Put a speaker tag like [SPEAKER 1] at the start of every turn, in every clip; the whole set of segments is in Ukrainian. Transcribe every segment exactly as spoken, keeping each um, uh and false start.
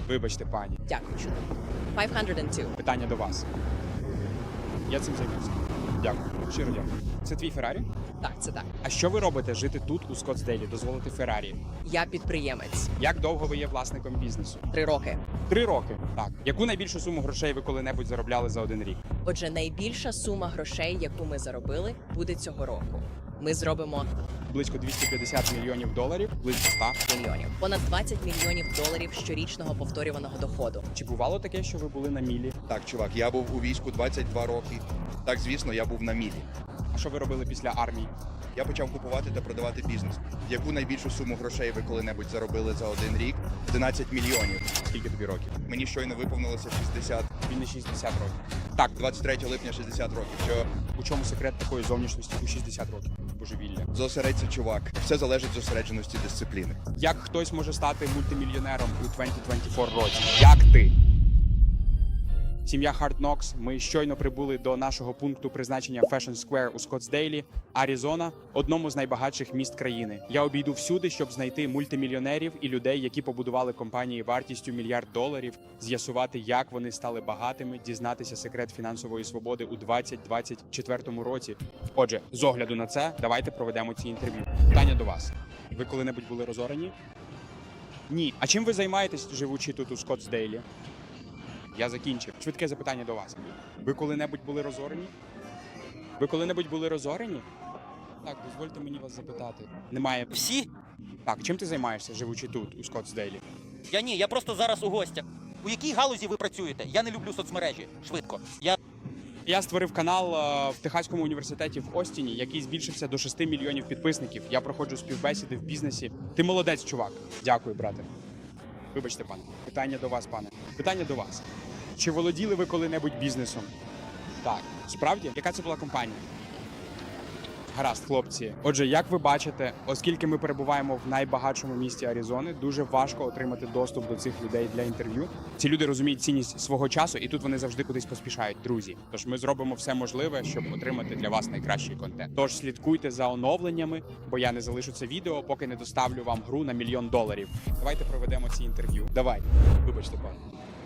[SPEAKER 1] Вибачте, пані.
[SPEAKER 2] Дякую. п'ятсот два.
[SPEAKER 1] Питання до вас. Я цим займуся. Дякую. Щиро дякую. Це твій Феррарі?
[SPEAKER 2] Так, це так.
[SPEAKER 1] А що ви робите жити тут, у Скоттсдейлі, дозволити Феррарі?
[SPEAKER 2] Я підприємець.
[SPEAKER 1] Як довго ви є власником бізнесу?
[SPEAKER 2] Три роки.
[SPEAKER 1] Три роки. Так. Яку найбільшу суму грошей ви коли-небудь заробляли за один рік?
[SPEAKER 2] Отже, найбільша сума грошей, яку ми заробили, буде цього року. Ми зробимо
[SPEAKER 1] Близько двісті п'ятдесят мільйонів доларів, близько ста.
[SPEAKER 2] мільйонів. Понад двадцять мільйонів доларів щорічного повторюваного доходу.
[SPEAKER 1] Чи бувало таке, що ви були на мілі?
[SPEAKER 3] Так, чувак, я був у війську двадцять два роки. Так, звісно, я був на мілі.
[SPEAKER 1] А що ви робили після армії?
[SPEAKER 3] Я почав купувати та продавати бізнес. Яку найбільшу суму грошей ви коли-небудь заробили за один рік? одинадцять мільйонів.
[SPEAKER 1] Скільки тобі років?
[SPEAKER 3] Мені щойно виповнилося шістдесят.
[SPEAKER 1] Він не шістдесят років. Так,
[SPEAKER 3] двадцять третього липня шістдесят років. Що
[SPEAKER 1] у чому секрет такої зовнішності у шістдесят років? Божевілля.
[SPEAKER 3] зосередься, чувак. Все залежить від зосередженості дисципліни.
[SPEAKER 1] Як хтось може стати мультимільйонером у двадцять двадцять чотири році? Як ти? Сім'я Hard Knocks. Ми щойно прибули до нашого пункту призначення Fashion Square у Скоттсдейлі, Аризона, одному з найбагатших міст країни. Я обійду всюди, щоб знайти мультимільйонерів і людей, які побудували компанії вартістю мільярд доларів, з'ясувати, як вони стали багатими, дізнатися секрет фінансової свободи у двадцять двадцять четвертому році. Отже, з огляду на це, давайте проведемо ці інтерв'ю. Питання до вас. Ви коли-небудь були розорені? Ні. А чим ви займаєтесь, живучи тут у Скоттсдейлі? Я закінчив. Швидке запитання до вас. Ви коли-небудь були розорені? Ви коли-небудь були розорені? Так, дозвольте мені вас запитати. Немає.
[SPEAKER 4] Всі?
[SPEAKER 1] Так, чим ти займаєшся, живучи тут, у Скоттсдейлі?
[SPEAKER 4] Я ні, я просто зараз у гостях. У якій галузі ви працюєте? Я не люблю соцмережі. Швидко. Я
[SPEAKER 1] Я створив канал е, в Техаському університеті в Остіні, який збільшився до шести мільйонів підписників. Я проходжу співбесіди в бізнесі. Ти молодець, чувак. Дякую, брате. Вибачте, пане. Питання до вас, пане. Питання до вас. Чи володіли ви коли-небудь бізнесом? Так. Справді? Яка це була компанія? Гаразд, хлопці. Отже, як ви бачите, оскільки ми перебуваємо в найбагатшому місті Аризони, дуже важко отримати доступ до цих людей для інтерв'ю. Ці люди розуміють цінність свого часу, і тут вони завжди кудись поспішають, друзі. Тож ми зробимо все можливе, щоб отримати для вас найкращий контент. Тож слідкуйте за оновленнями, бо я не залишу це відео, поки не доставлю вам гру на мільйон доларів. Давайте проведемо ці інтерв'ю. Давай.
[SPEAKER 5] Вибачте, пане.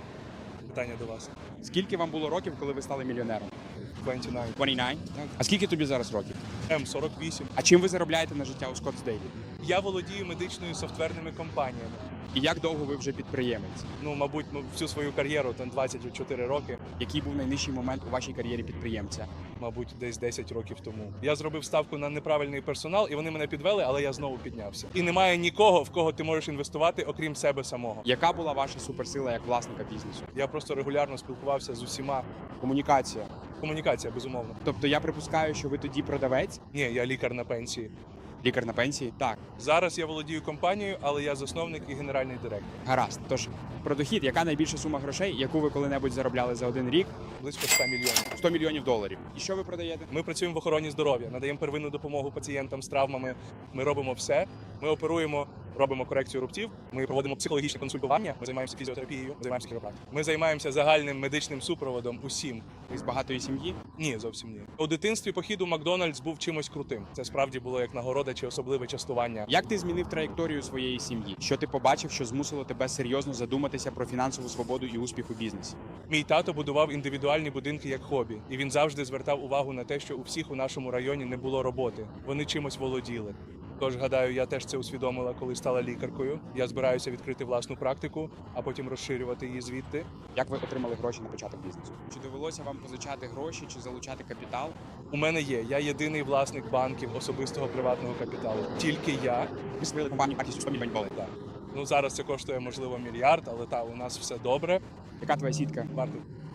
[SPEAKER 5] Питання до вас.
[SPEAKER 1] Скільки вам було років, коли ви стали мільйонером?
[SPEAKER 5] двадцять дев'ять.
[SPEAKER 1] двадцять дев'ять? Так. А скільки тобі зараз років?
[SPEAKER 5] М сорок вісім.
[SPEAKER 1] А чим ви заробляєте на життя у Скоттсдейлі?
[SPEAKER 5] Я володію медичною софтверними компаніями.
[SPEAKER 1] І як довго ви вже підприємець?
[SPEAKER 5] Ну, мабуть, ну, всю свою кар'єру, там двадцять чотири роки,
[SPEAKER 1] Який був найнижчий момент у вашій кар'єрі підприємця?
[SPEAKER 5] мабуть, десь десять років тому. Я зробив ставку на неправильний персонал, і вони мене підвели, але я знову піднявся. І немає нікого, в кого ти можеш інвестувати, окрім себе самого.
[SPEAKER 1] Яка була ваша суперсила як власника бізнесу?
[SPEAKER 5] Я просто регулярно спілкувався з усіма.
[SPEAKER 1] Комунікація.
[SPEAKER 5] Комунікація, безумовно.
[SPEAKER 1] Тобто я припускаю, що ви тоді продавець,
[SPEAKER 5] Ні, я лікар на пенсії.
[SPEAKER 1] лікар на пенсії? Так,
[SPEAKER 5] Зараз я володію компанією, але я засновник і генеральний директор.
[SPEAKER 1] гаразд. Тож про дохід, яка найбільша сума грошей, яку ви коли-небудь заробляли за один рік?
[SPEAKER 5] Близько ста мільйонів.
[SPEAKER 1] сто мільйонів доларів. І що ви продаєте?
[SPEAKER 5] Ми працюємо в охороні здоров'я, надаємо первинну допомогу пацієнтам з травмами. Ми робимо все. Ми оперуємо, робимо корекцію рубців. Ми проводимо психологічне консультування. Ми займаємося фізіотерапією, ми займаємося хіропрактикою. Ми займаємося загальним медичним супроводом усім.
[SPEAKER 1] Ви з багатої сім'ї?
[SPEAKER 5] Ні, зовсім ні. У дитинстві похід у Макдональдс був чимось крутим. Це справді було як нагорода чи особливе частування.
[SPEAKER 1] Як ти змінив траєкторію своєї сім'ї? Що ти побачив, що змусило тебе серйозно задуматися про фінансову свободу і успіх у бізнесі?
[SPEAKER 5] Мій тато будував індивідуальні будинки як хобі, і він завжди звертав увагу на те, що у всіх у нашому районі не було роботи. Вони чимось володіли. Тож, гадаю, я теж це усвідомила, коли стала лікаркою. Я збираюся відкрити власну практику, а потім розширювати її звідти.
[SPEAKER 1] Як ви отримали гроші на початок бізнесу? Чи довелося вам позичати гроші, чи залучати капітал?
[SPEAKER 5] У мене є. Я єдиний власник банків особистого приватного капіталу. Тільки я.
[SPEAKER 1] Ви створили компанію вартістю сто мільйонів доларів.
[SPEAKER 5] Так. Ну зараз це коштує можливо мільярд, але та у нас все добре.
[SPEAKER 1] Яка твоя сітка?
[SPEAKER 5] Варто.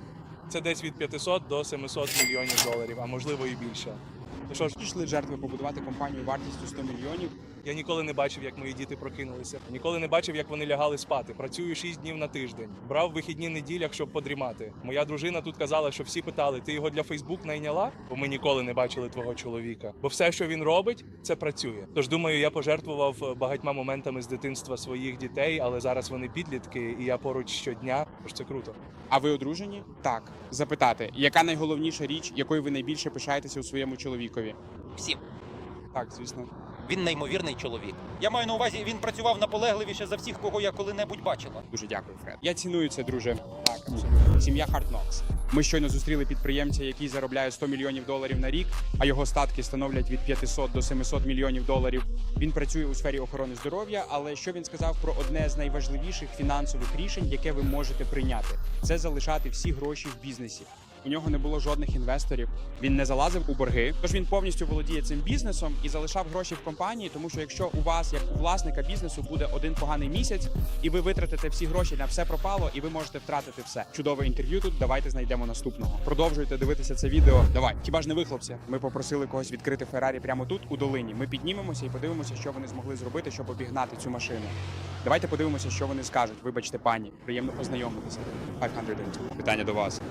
[SPEAKER 5] Це десь від п'ятисот до семисот мільйонів доларів, а можливо і більше. Ну що ж,
[SPEAKER 1] Пішли жертви побудувати компанію вартістю сто мільйонів.
[SPEAKER 5] я ніколи не бачив, як мої діти прокинулися. Ніколи не бачив, як вони лягали спати. Працюю шість днів на тиждень. Брав вихідні неділях, щоб подрімати. Моя дружина тут казала, що всі питали: ти його для Фейсбук найняла? Бо ми ніколи не бачили твого чоловіка. Бо все, що він робить, це працює. Тож думаю, я пожертвував багатьма моментами з дитинства своїх дітей, але зараз вони підлітки, і я поруч щодня. Тож це круто.
[SPEAKER 1] А ви одружені? Так. Запитати, яка найголовніша річ, якою ви найбільше пишаєтеся у своєму чоловікові?
[SPEAKER 4] всім.
[SPEAKER 1] Так, звісно.
[SPEAKER 4] Він неймовірний чоловік. Я маю на увазі, він працював наполегливіше за всіх, кого я коли-небудь бачила.
[SPEAKER 1] Дуже дякую, Фред. Я ціную це, друже. Так, абсолютно. Сім'я Hard Knocks. Ми щойно зустріли підприємця, який заробляє сто мільйонів доларів на рік, а його статки становлять від п'ятисот до семисот мільйонів доларів. Він працює у сфері охорони здоров'я, але що він сказав про одне з найважливіших фінансових рішень, яке ви можете прийняти? Це залишати всі гроші в бізнесі. У нього не було жодних інвесторів, він не залазив у борги, тож він повністю володіє цим бізнесом і залишав гроші в компанії, тому що якщо у вас, як у власника бізнесу, буде один поганий місяць, і ви витратите всі гроші на все пропало, і ви можете втратити все. Чудове інтерв'ю тут, давайте знайдемо наступного. Продовжуйте дивитися це відео. Давай, хіба ж не ви, хлопці? Ми попросили когось відкрити Феррарі прямо тут, у долині. Ми піднімемося і подивимося, що вони змогли зробити, щоб обігнати цю машину. Давайте подивимося, що вони скажуть. Вибачте, пані, приємно познайомитися. п'ятсот. Питання до вас.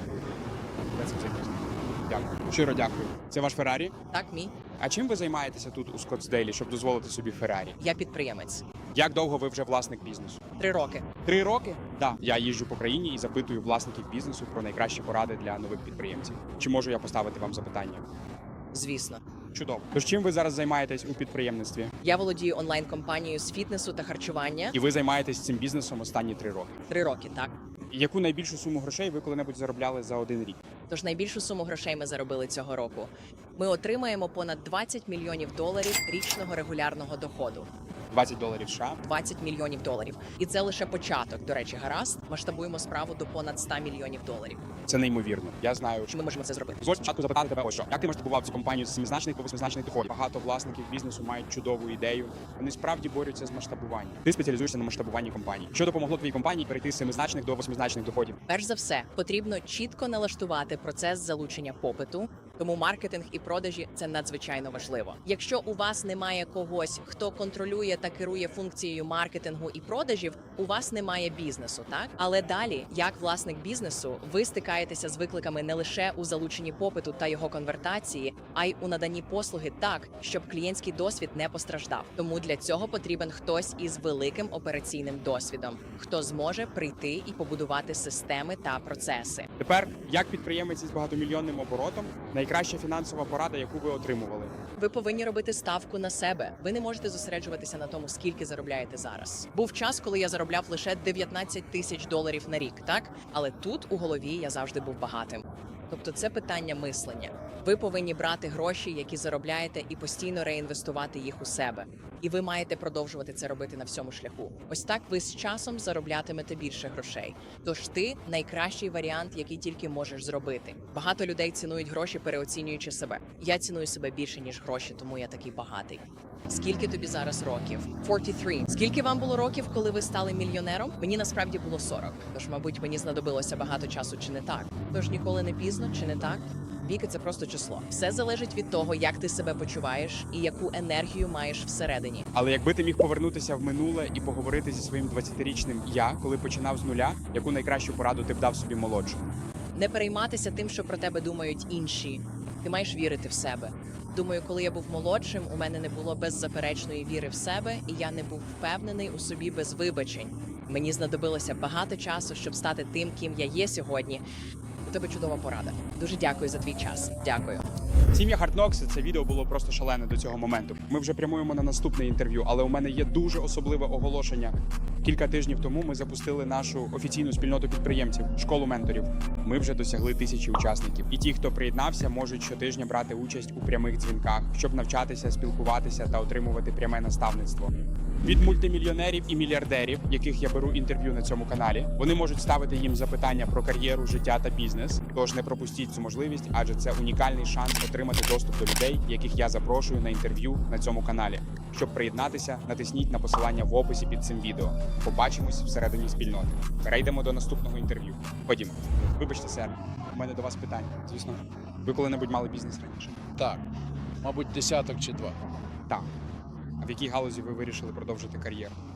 [SPEAKER 1] Дякую. Щиро дякую. Це ваш Феррарі?
[SPEAKER 2] Так, мій.
[SPEAKER 1] А чим ви займаєтеся тут у Скоттсдейлі, щоб дозволити собі Феррарі?
[SPEAKER 2] Я підприємець.
[SPEAKER 1] Як довго ви вже власник бізнесу?
[SPEAKER 2] Три роки.
[SPEAKER 1] Три роки? Так. Я їжджу по країні і запитую власників бізнесу про найкращі поради для нових підприємців. Чи можу я поставити вам запитання?
[SPEAKER 2] Звісно.
[SPEAKER 1] Чудово. Тож чим ви зараз займаєтесь у підприємництві?
[SPEAKER 2] Я володію онлайн-компанією з фітнесу та харчування.
[SPEAKER 1] І ви займаєтесь цим бізнесом останні три роки.
[SPEAKER 2] Три роки, так.
[SPEAKER 1] Яку найбільшу суму грошей ви коли-небудь заробляли за один рік?
[SPEAKER 2] Тож найбільшу суму грошей ми заробили цього року. Ми отримаємо понад двадцять мільйонів доларів річного регулярного доходу.
[SPEAKER 1] двадцять доларів США.
[SPEAKER 2] двадцять мільйонів доларів. І це лише початок. До речі, гаразд. Масштабуємо справу до понад ста мільйонів доларів.
[SPEAKER 1] Це неймовірно. Я знаю,
[SPEAKER 2] Чи ми можемо це зробити?
[SPEAKER 1] Дозвольте спочатку запитати тебе ось що. Як ти масштабував цю компанію з семизначних до восьмизначних доходів? Багато власників бізнесу мають чудову ідею. Вони справді борються з масштабуванням. Ти спеціалізуєшся на масштабуванні компаній. Що допомогло твоїй компанії перейти з семизначних до восьмизначних доходів?
[SPEAKER 2] Перш за все, потрібно чітко налаштувати процес залучення попиту, тому маркетинг і продажі це надзвичайно важливо. Якщо у вас немає когось, хто контролює та керує функцією маркетингу і продажів, у вас немає бізнесу, так? Але далі, як власник бізнесу, ви стикаєтеся з викликами не лише у залученні попиту та його конвертації, а й у наданні послуги так, щоб клієнтський досвід не постраждав. Тому для цього потрібен хтось із великим операційним досвідом, хто зможе прийти і побудувати системи та процеси.
[SPEAKER 1] Тепер, як підприємець із багатомільйонним оборотом, найкраща фінансова порада, яку ви отримували?
[SPEAKER 2] Ви повинні робити ставку на себе. Ви не можете зосереджуватися на тому, скільки заробляєте зараз. Був час, коли я заробляв лише дев'ятнадцять тисяч доларів на рік, так? Але тут у голові я завжди був багатим. Тобто це питання мислення. Ви повинні брати гроші, які заробляєте, і постійно реінвестувати їх у себе. І ви маєте продовжувати це робити на всьому шляху. Ось так ви з часом зароблятимете більше грошей. Тож ти найкращий варіант, який тільки можеш зробити. Багато людей цінують гроші, переоцінюючи себе. Я ціную себе більше, ніж гроші, тому я такий багатий. Скільки тобі зараз років? сорок три. Скільки вам було років, коли ви стали мільйонером? Мені насправді було сорок. Тож, мабуть, мені знадобилося багато часу, чи не так? Тож ніколи не пізно, чи не так? Віки – це просто число. Все залежить від того, як ти себе почуваєш і яку енергію маєш всередині.
[SPEAKER 1] Але якби ти міг повернутися в минуле і поговорити зі своїм двадцятирічним я, коли починав з нуля, яку найкращу пораду ти б дав собі молодшому?
[SPEAKER 2] Не перейматися тим, що про тебе думають інші. Ти маєш вірити в себе. Думаю, коли я був молодшим, у мене не було беззаперечної віри в себе, і я не був впевнений у собі без вибачень. Мені знадобилося багато часу, щоб стати тим, ким я є сьогодні. У тебе чудова порада. Дуже дякую за твій час. Дякую.
[SPEAKER 1] Сім'я Hard Knocks, це відео було просто шалене до цього моменту. Ми вже прямуємо на наступне інтерв'ю, але у мене є дуже особливе оголошення. Кілька тижнів тому ми запустили нашу офіційну спільноту підприємців, школу менторів. Ми вже досягли тисячі учасників. І ті, хто приєднався, можуть щотижня брати участь у прямих дзвінках, щоб навчатися, спілкуватися та отримувати пряме наставництво. Від мультимільйонерів і мільярдерів, яких я беру інтерв'ю на цьому каналі, вони можуть ставити їм запитання про кар'єру, життя та бізнес. Тож не пропустіть цю можливість, адже це унікальний шанс отримати доступ до людей, яких я запрошую на інтерв'ю на цьому каналі. Щоб приєднатися, натисніть на посилання в описі під цим відео. Побачимось всередині спільноти. Перейдемо до наступного інтерв'ю. Ходімо. Вибачте, сер, у мене до вас питання. Звісно, ви коли-небудь мали бізнес раніше?
[SPEAKER 6] Так, мабуть, десяток чи два.
[SPEAKER 1] Так. А в якій галузі ви вирішили продовжити кар'єру?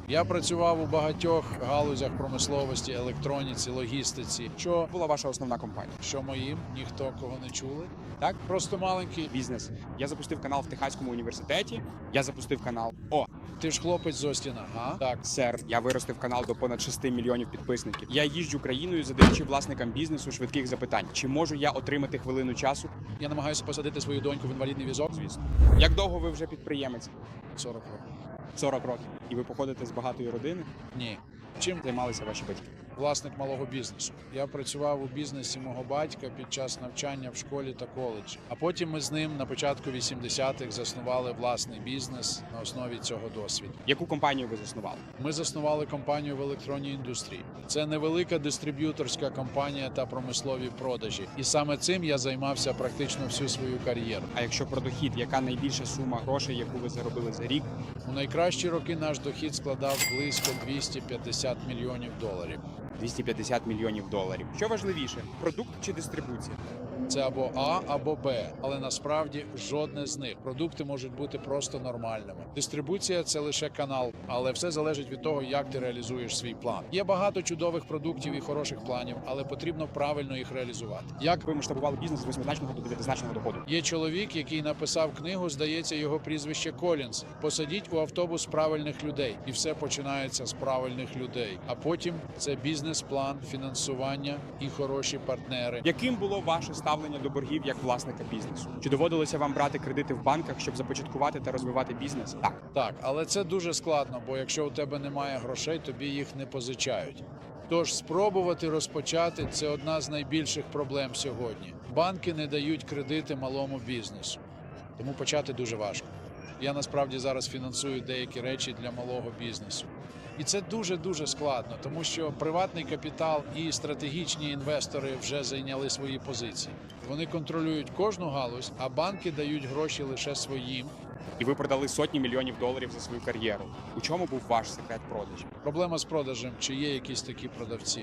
[SPEAKER 6] Я працював у багатьох галузях промисловості, електроніці, логістиці. Що,
[SPEAKER 1] Була ваша основна компанія?
[SPEAKER 6] що моїм, ніхто кого не чули.
[SPEAKER 1] Так?
[SPEAKER 6] Просто маленький.
[SPEAKER 1] Бізнес. Я запустив канал в Техаському університеті. Я запустив канал. О,
[SPEAKER 6] Ти ж хлопець з Остіна, га? Так.
[SPEAKER 1] сер, я виростив канал до понад шести мільйонів підписників. Я їжджу країною, задаючи власникам бізнесу швидких запитань. Чи можу я отримати хвилину часу?
[SPEAKER 6] Я намагаюся посадити свою доньку в інвалідний візок.
[SPEAKER 1] Звісно. Як довго ви вже підприємець?
[SPEAKER 6] сорок років.
[SPEAKER 1] сорок років. І ви походите з багатої родини?
[SPEAKER 6] Ні. Чим
[SPEAKER 1] Займалися ваші батьки?
[SPEAKER 6] власник малого бізнесу. Я працював у бізнесі мого батька під час навчання в школі та коледжі. А потім ми з ним на початку вісімдесятих заснували власний бізнес на основі цього досвіду.
[SPEAKER 1] Яку компанію ви заснували?
[SPEAKER 6] Ми заснували компанію в електронній індустрії. Це невелика дистриб'юторська компанія та промислові продажі. І саме цим я займався практично всю свою кар'єру.
[SPEAKER 1] А якщо про дохід, яка найбільша сума грошей, яку ви заробили за рік?
[SPEAKER 6] У найкращі роки наш дохід складав близько двісті п'ятдесят мільйонів доларів.
[SPEAKER 1] двісті п'ятдесят мільйонів доларів. Що важливіше, продукт чи дистрибуція?
[SPEAKER 6] Це або А, або Б, але насправді жодне з них. Продукти можуть бути просто нормальними. Дистрибуція – це лише канал, але все залежить від того, як ти реалізуєш свій план. Є багато чудових продуктів і хороших планів, але потрібно правильно їх реалізувати.
[SPEAKER 1] Як ви масштабували бізнес з восьмизначного до дев'ятизначного доходу?
[SPEAKER 6] Є чоловік, який написав книгу, здається, його прізвище Колінс. Посадіть у автобус правильних людей, і все починається з правильних людей. А потім це бізнес-план, фінансування і хороші партнери.
[SPEAKER 1] Яким було ваше ставлення до боргів як власника бізнесу? Чи доводилося вам брати кредити в банках, щоб започаткувати та розвивати бізнес? Так.
[SPEAKER 6] Так, але це дуже складно, бо якщо у тебе немає грошей, тобі їх не позичають. Тож спробувати розпочати – це одна з найбільших проблем сьогодні. Банки не дають кредити малому бізнесу, тому почати дуже важко. Я насправді зараз фінансую деякі речі для малого бізнесу. І це дуже-дуже складно, тому що приватний капітал і стратегічні інвестори вже зайняли свої позиції. Вони контролюють кожну галузь, а банки дають гроші лише своїм.
[SPEAKER 1] І ви продали сотні мільйонів доларів за свою кар'єру. У чому був ваш секрет продажів?
[SPEAKER 6] Проблема з продажем, чи є якісь такі продавці.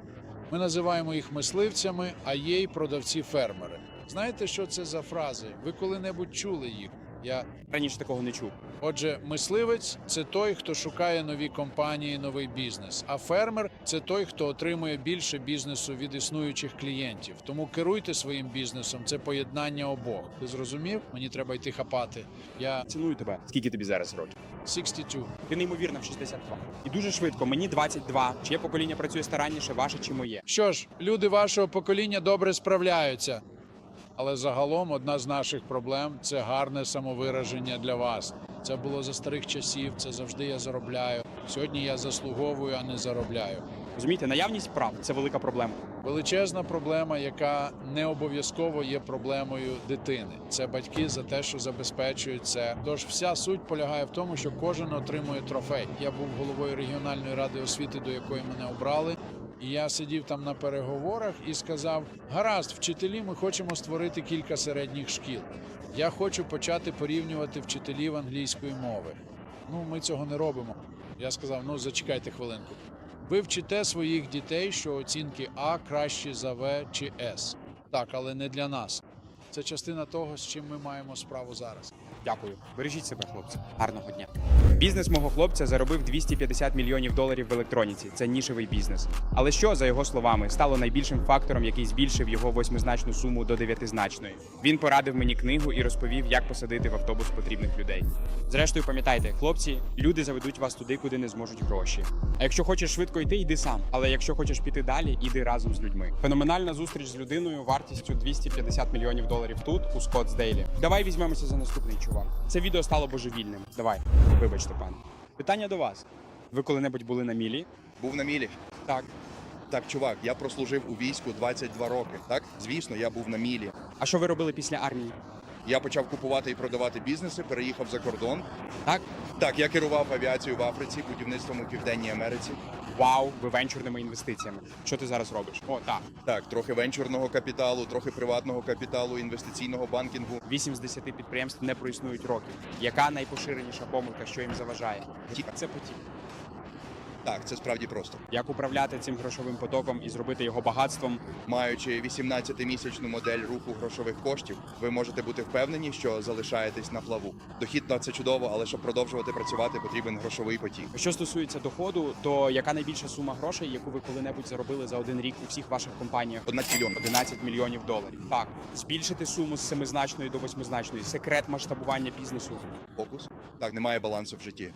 [SPEAKER 6] Ми називаємо їх мисливцями, а є й продавці-фермери. Знаєте, що це за фрази? Ви коли-небудь чули їх? Я
[SPEAKER 1] Раніше такого не чув.
[SPEAKER 6] Отже, мисливець – це той, хто шукає нові компанії, новий бізнес. А фермер – це той, хто отримує більше бізнесу від існуючих клієнтів. Тому керуйте своїм бізнесом – це поєднання обох. Ти зрозумів? Мені треба йти хапати. Я
[SPEAKER 1] Ціную тебе. Скільки тобі зараз років?
[SPEAKER 6] шістдесят два.
[SPEAKER 1] Ти неймовірно в шістдесят два. І дуже швидко. Мені двадцять два. Чиє покоління працює старанніше, ваше чи моє?
[SPEAKER 6] Що ж, люди вашого покоління добре справляються. Але загалом одна з наших проблем – це гарне самовираження для вас. Це було за старих часів, це завжди я заробляю. Сьогодні я заслуговую, а не заробляю.
[SPEAKER 1] Розумієте, наявність прав – це велика проблема.
[SPEAKER 6] Величезна проблема, яка не обов'язково є проблемою дитини. Це батьки за те, що забезпечують це. Тож вся суть полягає в тому, що кожен отримує трофей. Я був головою регіональної ради освіти, до якої мене обрали. І я сидів там на переговорах і сказав: гаразд, вчителі, ми хочемо створити кілька середніх шкіл. Я хочу почати порівнювати вчителів англійської мови. Ну, ми цього не робимо. Я сказав: ну, зачекайте хвилинку. Ви вчите своїх дітей, що оцінки А кращі за В чи С. Так, але не для нас. Це частина того, з чим ми маємо справу зараз.
[SPEAKER 1] Дякую. Бережіть себе, хлопці. Гарного дня. Бізнес мого хлопця заробив двісті п'ятдесят мільйонів доларів в електроніці. Це нішевий бізнес. Але що, за його словами, стало найбільшим фактором, який збільшив його восьмизначну суму до дев'ятизначної? Він порадив мені книгу і розповів, як посадити в автобус потрібних людей. Зрештою, пам'ятайте, хлопці, люди заведуть вас туди, куди не зможуть гроші. А якщо хочеш швидко йти, йди сам. Але якщо хочеш піти далі, іди разом з людьми. Феноменальна зустріч з людиною вартістю двісті п'ятдесят мільйонів доларів тут, у Скоттсдейлі. Давай візьмемося за наступний, чувак. Це відео стало божевільним. Давай, вибачте, пане. Питання до вас. Ви коли-небудь були на мілі?
[SPEAKER 3] Був на мілі.
[SPEAKER 1] Так.
[SPEAKER 3] Так, чувак, я прослужив у війську двадцять два роки. Так, звісно, я був на мілі.
[SPEAKER 1] А що ви робили після армії?
[SPEAKER 3] Я почав купувати і продавати бізнеси, переїхав за кордон.
[SPEAKER 1] Так?
[SPEAKER 3] Так, я керував авіацією в Африці, будівництвом у Південній Америці.
[SPEAKER 1] Вау, ви венчурними інвестиціями. Що ти зараз робиш? О, так.
[SPEAKER 3] Так, трохи венчурного капіталу, трохи приватного капіталу, інвестиційного банкінгу.
[SPEAKER 1] Вісім з десяти підприємств не проіснують років. Яка найпоширеніша помилка, що їм заважає?
[SPEAKER 3] Потік.
[SPEAKER 1] Це потік.
[SPEAKER 3] Так, це справді просто.
[SPEAKER 1] Як управляти цим грошовим потоком і зробити його багатством?
[SPEAKER 3] Маючи вісімнадцятимісячну модель руху грошових коштів, ви можете бути впевнені, що залишаєтесь на плаву. Дохід – це чудово, але щоб продовжувати працювати, потрібен грошовий потік.
[SPEAKER 1] Що стосується доходу, то яка найбільша сума грошей, яку ви коли-небудь заробили за один рік у всіх ваших компаніях?
[SPEAKER 3] одинадцять мільйонів.
[SPEAKER 1] одинадцять мільйонів доларів. Так, збільшити суму з семизначної до восьмизначної. Секрет масштабування бізнесу.
[SPEAKER 3] Фокус. Так, немає балансу в житті.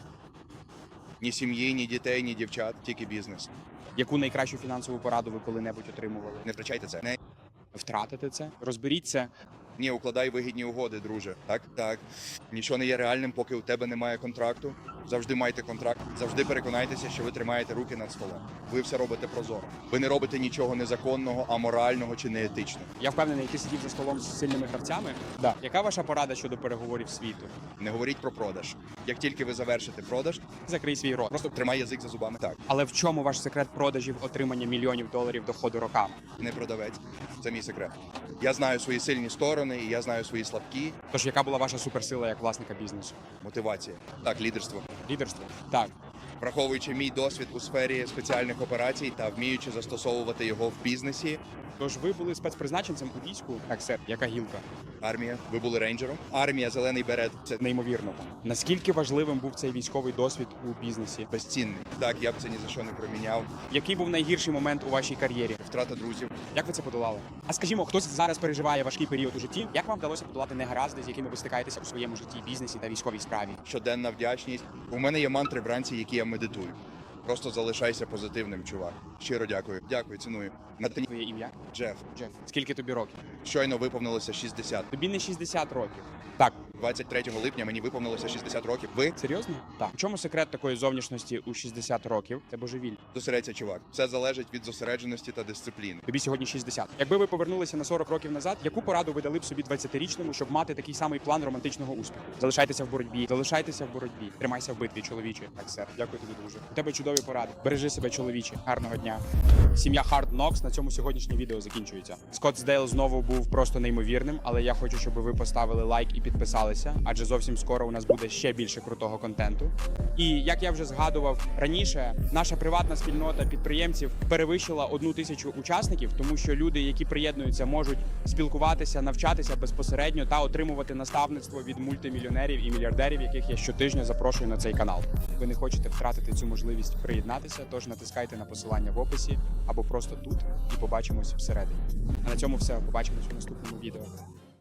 [SPEAKER 3] Ні сім'ї, ні дітей, ні дівчат, тільки бізнес.
[SPEAKER 1] Яку найкращу фінансову пораду ви коли-небудь отримували?
[SPEAKER 3] Не втрачайте це. Не.
[SPEAKER 1] Втратити це? Розберіться.
[SPEAKER 3] Ні, укладай вигідні угоди, друже. Так, так. Нічого не є реальним, поки у тебе немає контракту. Завжди майте контракт. Завжди переконайтеся, що ви тримаєте руки над столом. Ви все робите прозоро. Ви не робите нічого незаконного, аморального чи неетичного.
[SPEAKER 1] Я впевнений, ти сидів за столом з сильними гравцями. Да. Яка ваша порада щодо переговорів світу?
[SPEAKER 3] Не говоріть про продаж. Як тільки ви завершите продаж,
[SPEAKER 1] Закрий свій рот.
[SPEAKER 3] просто тримай язик за зубами. Так,
[SPEAKER 1] Але в чому ваш секрет продажів отримання мільйонів доларів доходу роками?
[SPEAKER 3] не продавець. Це мій секрет. Я знаю свої сильні сторони, і я знаю свої слабкі.
[SPEAKER 1] Тож яка була ваша суперсила як власника бізнесу?
[SPEAKER 3] Мотивація. Так, лідерство.
[SPEAKER 1] Лідерство? Так.
[SPEAKER 3] Враховуючи мій досвід у сфері спеціальних операцій та вміючи застосовувати його в бізнесі,
[SPEAKER 1] Тож ви були спецпризначенцем у війську? Так, сер. Яка гілка?
[SPEAKER 3] армія, ви були рейнджером. Армія, зелений берет це
[SPEAKER 1] Неймовірно. Наскільки важливим був цей військовий досвід у бізнесі?
[SPEAKER 3] безцінний. Так, я б це ні за що не проміняв.
[SPEAKER 1] Який був найгірший момент у вашій кар'єрі?
[SPEAKER 3] Втрата друзів.
[SPEAKER 1] Як ви це подолали? А скажімо, хтось зараз переживає важкий період у житті. Як вам вдалося подолати негаразди, з якими ви стикаєтеся у своєму житті, бізнесі та військовій справі?
[SPEAKER 3] Щоденна вдячність. У мене є мантри вранці, які я медитую. Просто залишайся позитивним, чувак. Щиро дякую. Дякую, ціную. Натані
[SPEAKER 1] Твоє ім'я?
[SPEAKER 3] Джеф.
[SPEAKER 1] Джеф. Скільки тобі років?
[SPEAKER 3] Щойно виповнилося шістдесят.
[SPEAKER 1] Тобі не шістдесят років. Так.
[SPEAKER 3] двадцять третього липня мені виповнилося шістдесят років. Ви
[SPEAKER 1] Серйозно? Так. У чому секрет такої зовнішності у шістдесят років? Це божевіль.
[SPEAKER 3] зосередься, чувак. Все залежить від зосередженості та дисципліни.
[SPEAKER 1] Тобі сьогодні шістдесят. Якби ви повернулися на сорок років назад, яку пораду ви дали б собі двадцятирічному, щоб мати такий самий план романтичного успіху? Залишайтеся в боротьбі, залишайтеся в боротьбі. Тримайся в битві, чоловіче. Так, сер. Дякую тобі дуже. У тебе чудові поради. Бережи себе, чоловіче. Гарного дня. Сім'я Hard Knocks. На цьому сьогоднішнє відео закінчується. Скоттсдейл знову був просто неймовірним, але я хочу, щоб ви поставили лайк і підписалися, адже зовсім скоро у нас буде ще більше крутого контенту. І як я вже згадував раніше, наша приватна спільнота підприємців перевищила одну тисячу учасників, тому що люди, які приєднуються, можуть спілкуватися, навчатися безпосередньо та отримувати наставництво від мультимільйонерів і мільярдерів, яких я щотижня запрошую на цей канал. Ви не хочете втратити цю можливість приєднатися, тож натискайте на посилання в описі або просто тут і побачимось всередині. А на цьому все. Побачимось у наступному відео.